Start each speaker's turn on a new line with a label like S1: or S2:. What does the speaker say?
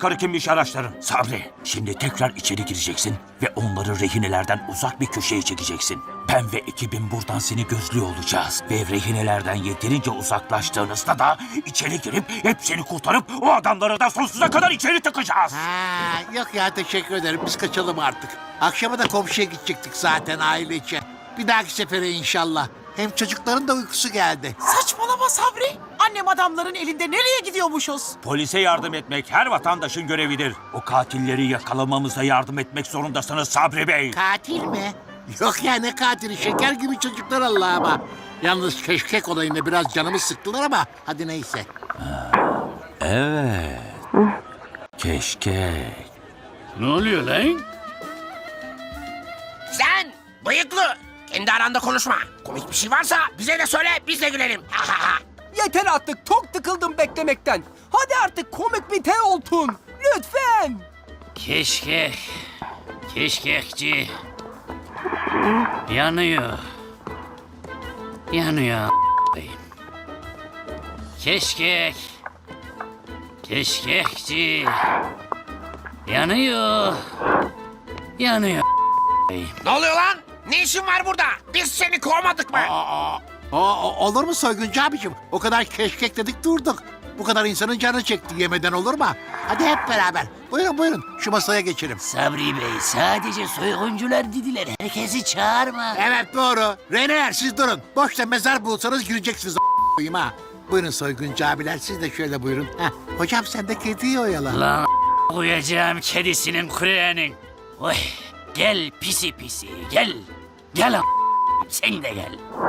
S1: yukarı kimmiş araçların. Sabri, şimdi tekrar içeri gireceksin ve onları rehinelerden uzak bir köşeye çekeceksin. Ben ve ekibim buradan seni gözlüyor olacağız. Ve rehinelerden yeterince uzaklaştığınızda da içeri girip hepsini kurtarıp o adamları da sonsuza kadar içeri tıkacağız.
S2: Ha, yok ya teşekkür ederim. Biz kaçalım artık. Akşama da komşuya gidecektik zaten ailece. Bir dahaki sefere inşallah. Hem çocukların da uykusu geldi.
S3: Saçmalama Sabri. Annem adamların elinde nereye gidiyormuşuz?
S1: Polise yardım etmek her vatandaşın görevidir. O katilleri yakalamamıza yardım etmek zorundasınız Sabri Bey.
S2: Katil mi? Yok ya ne katili? Şeker gibi çocuklar Allah'ıma. Yalnız keşkek olayında biraz canımı sıktılar ama hadi neyse.
S1: Evet. Keşke.
S4: Ne oluyor lan?
S5: Sen bıyıklı. Kendi aranda konuşma. Komik bir şey varsa bize de söyle, biz de gülelim. Ha ha ha.
S6: Yeter artık, çok tıkıldım beklemekten. Hadi artık komik bir te oltun. Lütfen.
S4: Keşkek. Keşkekçi. Yanıyor. Yanıyor. Keşkek. Keşkekçi. Yanıyor. Yanıyor.
S5: Ne oluyor lan? Ne işin var burada? Biz seni kovmadık mı?
S2: Olur mu Soyguncu abicim? O kadar keşkek dedik durduk. Bu kadar insanın canı çekti yemeden olur mu? Hadi hep beraber. Buyurun buyurun şu masaya geçelim.
S4: Sabri Bey sadece soyguncular dediler. Herkesi çağırma.
S2: Evet doğru. Reneler siz durun. Boşta mezar bulsanız güleceksiniz a**ayım ha. Buyurun Soyguncu abiler siz de şöyle buyurun. Heh. Hocam sen de kediyi oyala.
S4: Lan koyacağım kedisinin kureğinin. Oy gel pisi pisi gel. Gel sen de gel.